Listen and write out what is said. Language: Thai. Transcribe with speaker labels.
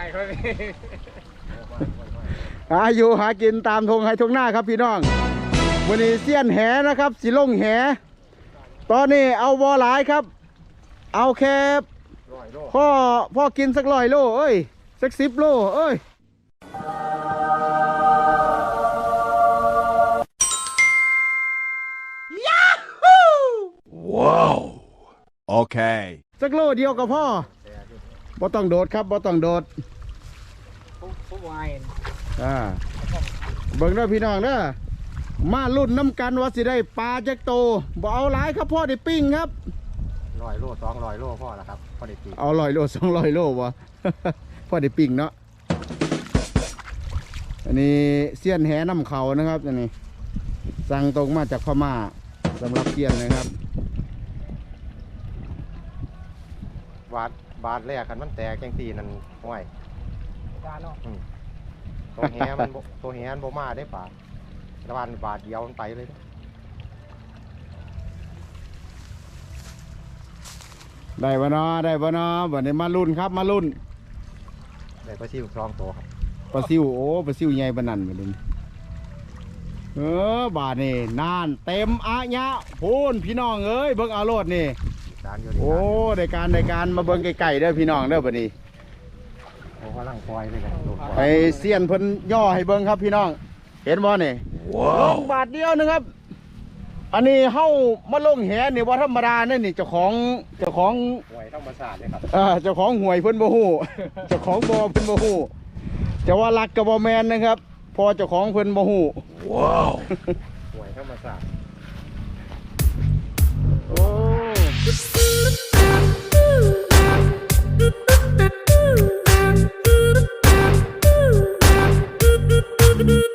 Speaker 1: หาอยู่หากินตามทงไฮทงหน้าครับพี่น้องวันนี้เสี้ยนแหนะครับสิลงแหตอนนี้เอาบอหลายครับเอาแค่พ่อกินสัก100 โลเอ้ยสัก10 โลเอ้ย
Speaker 2: ว้าวโอเค
Speaker 1: สักโลเดียวกับพ่อบ่ต้องโดดครับบ่ต้องโดด
Speaker 3: ผู้วาย
Speaker 1: เบิ่งด้วยพี่น้องเด้อมาลุ่นน้ำกันว่าสิได้ปลาจักโตบ่เอาหลายครับพ่อได้ปิ้งครับ
Speaker 4: 100 โล200 โลพ่อแล้วครับพ่อได้ปิ้ง
Speaker 1: เอา100 โล200 โลวะ พ่อได้ปิ้งเนาะอันนี้เสี้ยนแหน้ำเขานะครับอันนี้สั่งตรงมาจากพม่าสำหรับเสี้ยนนะครับ
Speaker 4: บาทแรกกันมันแตกจังตีนั่นห้วยตัวแหมันโบมาได้ป่าระบาดบาทเดียวมันไปเลย
Speaker 1: ได้บ่เนาะได้บ่เนาะบัดนี้มาลุ้นครับมาลุ้น
Speaker 4: ได้ปลาซิว2 ตัวครับ
Speaker 1: ปลาซิวโอ้ปลาซิวใหญ่ปานนั้นบัดนี้บาดนี่นานเต็มอะยะพูนพี่น้องเอ้ยเบิ่งเอาโลดนี่โอ้ได้การมาเบิ่งไก่ๆเด้อพี่น้องเด้อบัดนี้
Speaker 4: โอ้กำลังปล่อยเลยกัน
Speaker 1: ไปเสี้ยนเพิ่นย่อให้เบิ่งครับพี่น้องเห็นบ่นี่ลงบาทเดียวนึงครับอันนี้เฮ้ามาลงแหนี่ว่าธรรมดาเนี่ยนี่เจ้าของ
Speaker 4: หวยธรรมศาสตร์เลยครับ
Speaker 1: เจ้าของหวยเพิ่นบ่ฮู้เจ้าของบ่อเพิ่นบ่ฮู้จะว่ารักกับบ่แมนนะครับพอเจ้าของเพิ่นบ่ฮู้
Speaker 2: ว้าว
Speaker 4: หวยธรรมศาสตร์
Speaker 1: โอ้